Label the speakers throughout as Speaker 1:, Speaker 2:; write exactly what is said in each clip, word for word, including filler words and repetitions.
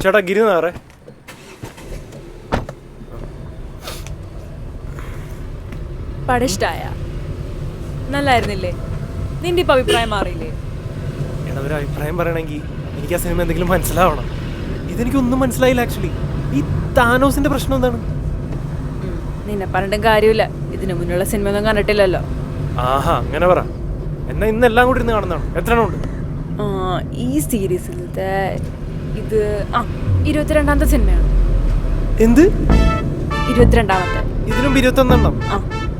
Speaker 1: ചേട്ടാ ഗിരിനാറേ.
Speaker 2: പടം ഇഷ്ടായ? നല്ലായിരുന്നില്ലേ? നിന്റെ ഇപ്പൊ അഭിപ്രായം മാറിയില്ലേ?
Speaker 1: എടാ ഒരു അഭിപ്രായം പറയണമെങ്കിൽ എനിക്ക് ആ സിനിമ എന്തെങ്കിലും മനസ്സിലാവണം. ഇതെനിക്കൊന്നും മനസ്സിലായില്ല ആക്ച്വലി. ഈ താനോസിന്റെ പ്രശ്നം എന്താണ്?
Speaker 2: നിന്നെ പറഞ്ഞിട്ടും കാര്യമില്ല, ഇതിനു മുന്നുള്ള സിനിമ ഒന്നും കണ്ടിട്ടില്ലല്ലോ.
Speaker 1: ആഹാ അങ്ങനെ പറ. എന്നാ ഇന്ന് എല്ലാം കൂടി ഇരുന്ന് കാണുന്നതാണ്. എത്ര എണ്ണം ഉണ്ട്
Speaker 2: ഈ സീരീസിലത്തെ? ഇത് ആ ഇരുപത്തിരണ്ടാമത്തെ സിനിമയാണ്.
Speaker 1: എന്ത്
Speaker 2: ഇരുപത്തിരണ്ടാമത്തെ?
Speaker 1: ഇതിനും ഇരുപത്തൊന്നെണ്ണം?
Speaker 2: ആ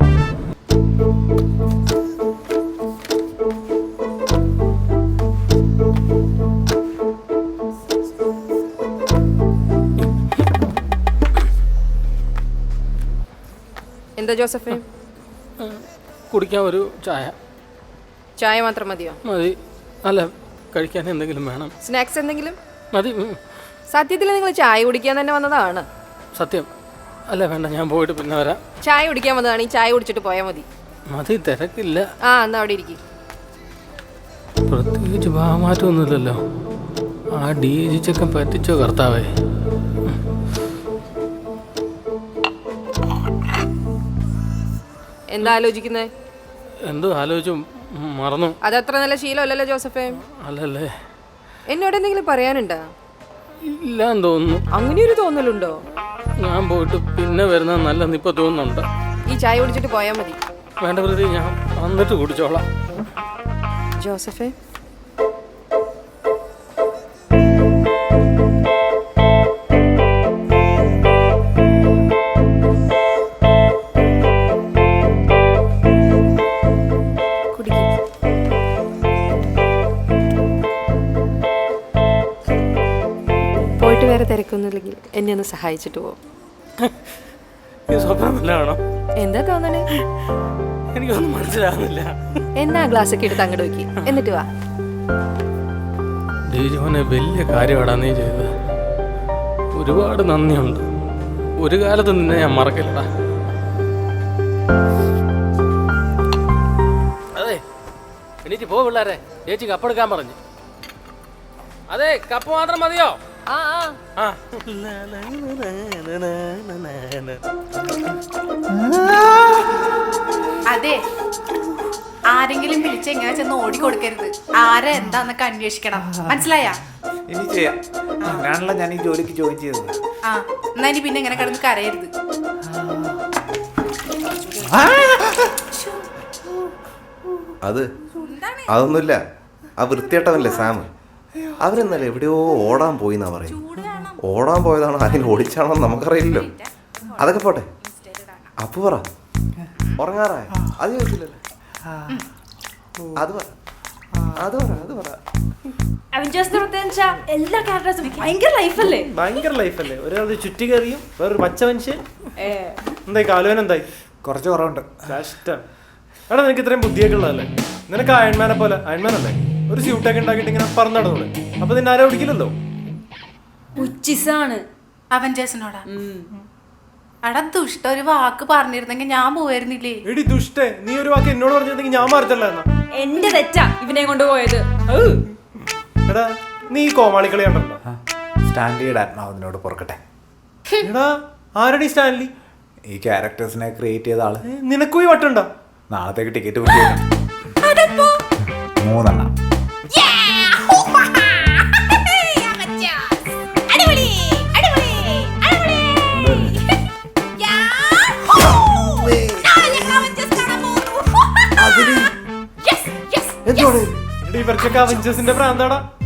Speaker 3: എന്താ ജോസഫേ?
Speaker 4: കുടിക്കാൻ ഒരു ചായ.
Speaker 3: ചായ മാത്രം മതിയോ?
Speaker 4: മതി. അല്ല, കഴിക്കാൻ എന്തെങ്കിലും വേണം.
Speaker 3: സ്നാക്സ് എന്തെങ്കിലും
Speaker 4: മതി.
Speaker 3: സത്യത്തിൽ നിങ്ങൾ ചായ കുടിക്കാൻ തന്നെ വന്നതാണ്?
Speaker 4: സത്യം. അല്ല വേണ്ട, ഞാൻ പോയിട്ട് പിന്നെ വരാം.
Speaker 3: ചായ കുടിക്കാൻ വന്നതാണ്, ഈ ചായ കുടിച്ചിട്ട് പോയാൽ മതി.
Speaker 4: മതി, തിരക്കില്ല.
Speaker 3: ആ എന്നാ അവിടെ ഇരിക്കും.
Speaker 4: പ്രത്യേകിച്ച് ഭാവമാറ്റമൊന്നുമില്ലല്ലോ. ആ ഡി ജി ചെക്കൻ പറ്റിച്ചോ കർത്താവേ.
Speaker 3: എന്താ ആലോചിക്കുന്നേ?
Speaker 4: എന്തോ ആലോചിച്ചു മറന്നു.
Speaker 3: അതത്ര നല്ല ശീലമല്ലല്ലോ ജോസഫേ.
Speaker 4: അല്ലല്ലേ?
Speaker 3: എന്നോട് എന്തെങ്കിലും പറയാനുണ്ടോ?
Speaker 4: ഇല്ലാന്ന് തോന്നുന്നു.
Speaker 3: അങ്ങനെയൊരു തോന്നലുണ്ടോ?
Speaker 4: ഞാൻ പോയിട്ട് പിന്നെ വരുന്ന നല്ലെന്ന് ഇപ്പൊ തോന്നുന്നുണ്ട്.
Speaker 3: ഈ ചായ കുടിച്ചിട്ട് പോയാൽ മതി.
Speaker 4: വേണ്ട പ്രതി, ഞാൻ വന്നിട്ട് കുടിച്ചോളാം.
Speaker 3: ജോസഫേ പോയിട്ട് വേറെ തിരക്കൊന്നുമില്ലെങ്കിൽ എന്നെ ഒന്ന് സഹായിച്ചിട്ട് പോകും.
Speaker 4: സ്വപ്നമില്ലാണോ?
Speaker 3: എന്താ തോന്നണേ?
Speaker 4: എനിക്കൊന്നും മനസ്സിലാവുന്നില്ല.
Speaker 3: എന്നാ ഗ്ലാസ് ഒക്കെ എടുത്ത് അങ്ങോട്ട് വെക്കി, എന്നിട്ട് വാ.
Speaker 4: ദേജോനെ വലിയ കാര്യമാടാ നീ ചെയ്തത്. ഒരുപാട് നന്ദിയുണ്ട്. ഒരു കാലത്ത് നിന്നെ ഞാൻ മറക്കില്ലടാ. അതെ, എണീറ്റ് പോ പിള്ളേരെ, ചേച്ചി കപ്പെടുക്കാൻ പറഞ്ഞു. അതെ, കപ്പ് മാത്രം മതിയോ?
Speaker 3: ആ ആ
Speaker 5: അതെ, ആരെങ്കിലും വിളിച്ച് എങ്ങനെ ചെന്ന് ഓടിക്കൊടുക്കരുത്. ആരെ എന്താന്നൊക്കെ അന്വേഷിക്കണം, മനസ്സിലായ?
Speaker 6: ഇനി ചെയ്യാം. അങ്ങനെയാണല്ലോ ഞാൻ ഈ ജോലിക്ക് ജോയിൻ ചെയ്തത്.
Speaker 5: ആ എന്നാ ഇനി പിന്നെ ഇങ്ങനെ കിടന്ന് കരയരുത്.
Speaker 7: അത് അതൊന്നുമില്ല. ആ വൃത്തിയേട്ടവല്ലേ സാം, അവരെന്നല്ല എവിടെയോ ഓടാൻ പോയി എന്നാ പറയും. ഓടാൻ പോയതാണോ അതിന് ഓടിച്ചാണോ നമുക്കറിയില്ലല്ലോ. അതൊക്കെ പോട്ടെ. അപ്പു പറ, ഉറങ്ങാറായ? അത് ചോദിച്ചില്ലല്ലേ? അത് പറ അത് പറ അത് പറ
Speaker 2: എല്ലാ ക്യാരക്ടേഴ്സും ഭയങ്കര ലൈഫല്ലേ?
Speaker 1: ഭയങ്കര ലൈഫല്ലേ? ഒരാൾ ചുറ്റി കയറിയും വേറൊരു പച്ച മനുഷ്യൻ. എന്തായി കാലുവൻ? എന്തായി?
Speaker 6: കുറച്ച് കുറവുണ്ട്.
Speaker 1: കഷ്ടം. എടാ നിനക്ക് ഇത്രയും ബുദ്ധിയൊക്കെ ഉള്ളതല്ലേ? നിനക്ക് അയൺമാനെ പോലെ, അയൺമാൻ അല്ലേ, ഒരു സ്യൂട്ടൊക്കെ ഉണ്ടാക്കിയിട്ട് ഇങ്ങനെ പറഞ്ഞു നടന്നൂടെ? അപ്പൊ നിന്നെ ആരെ ഓടിക്കില്ലല്ലോ.
Speaker 2: ഉച്ചിസാണ്
Speaker 5: അവഞ്ചേഴ്സിനോടാ. അടാ ദുഷ്ട, ഒരു വാക്ക് പറഞ്ഞിരുന്നെങ്കിൽ ഞാൻ പോയിരുന്നില്ലേ?
Speaker 1: എടി ദുഷ്ടേ, നീ ഒരു വാക്ക് എന്നോട് പറഞ്ഞിരുന്നെങ്കിൽ ഞാൻ മാറത്തല്ല. എന്നാ
Speaker 2: എന്റെ തെറ്റാ ഇവനെ കൊണ്ടുപോയത്.
Speaker 1: എടാ നീ ഈ കോമാളിക്കളി കണ്ടോ?
Speaker 6: സ്റ്റാൻലിയുടെ ആത്മാവിനോട് പൊറുക്കട്ടെ.
Speaker 1: എടാ ആരടി സ്റ്റാൻലി?
Speaker 6: ഈ ക്യാരക്ടേഴ്സിനെ ക്രിയേറ്റ് ചെയ്ത ആള്.
Speaker 1: നിനക്കും ഈ വട്ടുണ്ടോ?
Speaker 6: നാളത്തേക്ക് ടിക്കറ്റ് ബുക്ക് ചെയ്തു. മൂന്നെണ്ണം.
Speaker 1: ഇവർക്കൊക്കെ അവഞ്ചേഴ്സിന്റെ പ്രാന്താടാ.